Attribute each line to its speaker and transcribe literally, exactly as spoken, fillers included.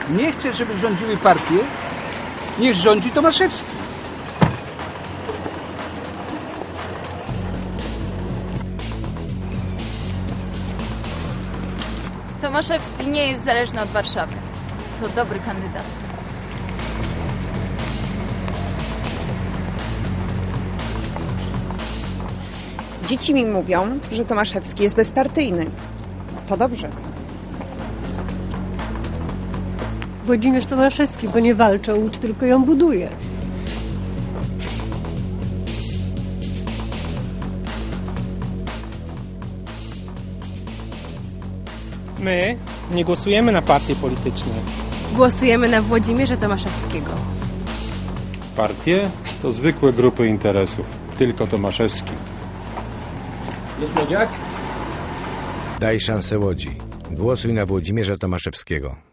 Speaker 1: nie chce, żeby rządziły partie, niech rządzi Tomaszewski.
Speaker 2: Tomaszewski nie jest zależny od Warszawy. To dobry kandydat.
Speaker 3: Dzieci mi mówią, że Tomaszewski jest bezpartyjny. To dobrze.
Speaker 4: Włodzimierz Tomaszewski, bo nie walczy o Łódź, tylko ją buduje.
Speaker 5: My nie głosujemy na partie polityczne.
Speaker 6: Głosujemy na Włodzimierza Tomaszewskiego.
Speaker 7: Partie to zwykłe grupy interesów. Tylko Tomaszewski.
Speaker 5: Jest młodziak?
Speaker 8: Daj szansę Łodzi. Głosuj na Włodzimierza Tomaszewskiego.